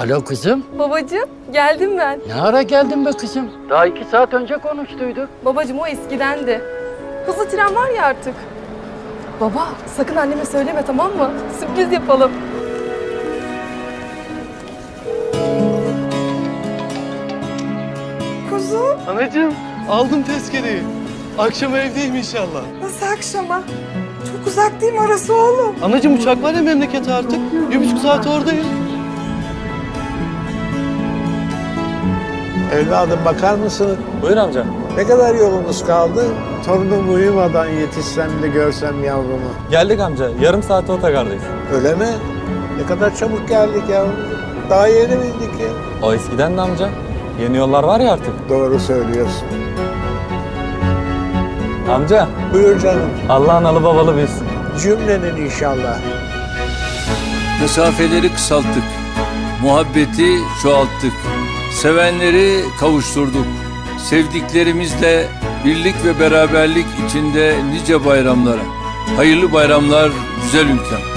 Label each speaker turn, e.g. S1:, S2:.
S1: Alo kızım.
S2: Babacığım, geldim ben.
S1: Ne ara geldin be kızım? Daha 2 saat önce konuştuyduk.
S2: Babacığım o eskidendi. Hızlı tren var ya artık. Baba, sakın anneme söyleme, tamam mı? Sürpriz yapalım.
S3: Kuzum,
S4: Anacığım aldım tezkereyi. Akşam evdeyim inşallah.
S3: nasıl akşama? Çok uzak değil mi orası oğlum?
S4: Anacığım uçak var ya memlekete artık. 1,5 saat oradayım.
S5: Evladım bakar mısın?
S6: Buyur amca.
S5: Ne kadar yolumuz kaldı? Torunum uyumadan yetişsem de görsem yavrumu.
S6: Geldik amca. Yarım saate otogardayız.
S5: Öyle mi? Ne kadar çabuk geldik yavrum. Daha yeni bindik ya.
S6: O eskiden de amca. Yeni yollar var ya artık.
S5: Doğru söylüyorsun.
S6: Amca,
S5: Buyur canım.
S6: Allah analı babalı büyüsün.
S5: Cümlenin inşallah.
S7: Mesafeleri kısalttık, muhabbeti çoğalttık, sevenleri kavuşturduk. Sevdiklerimizle birlik ve beraberlik içinde nice bayramlara. Hayırlı bayramlar güzel ülkem.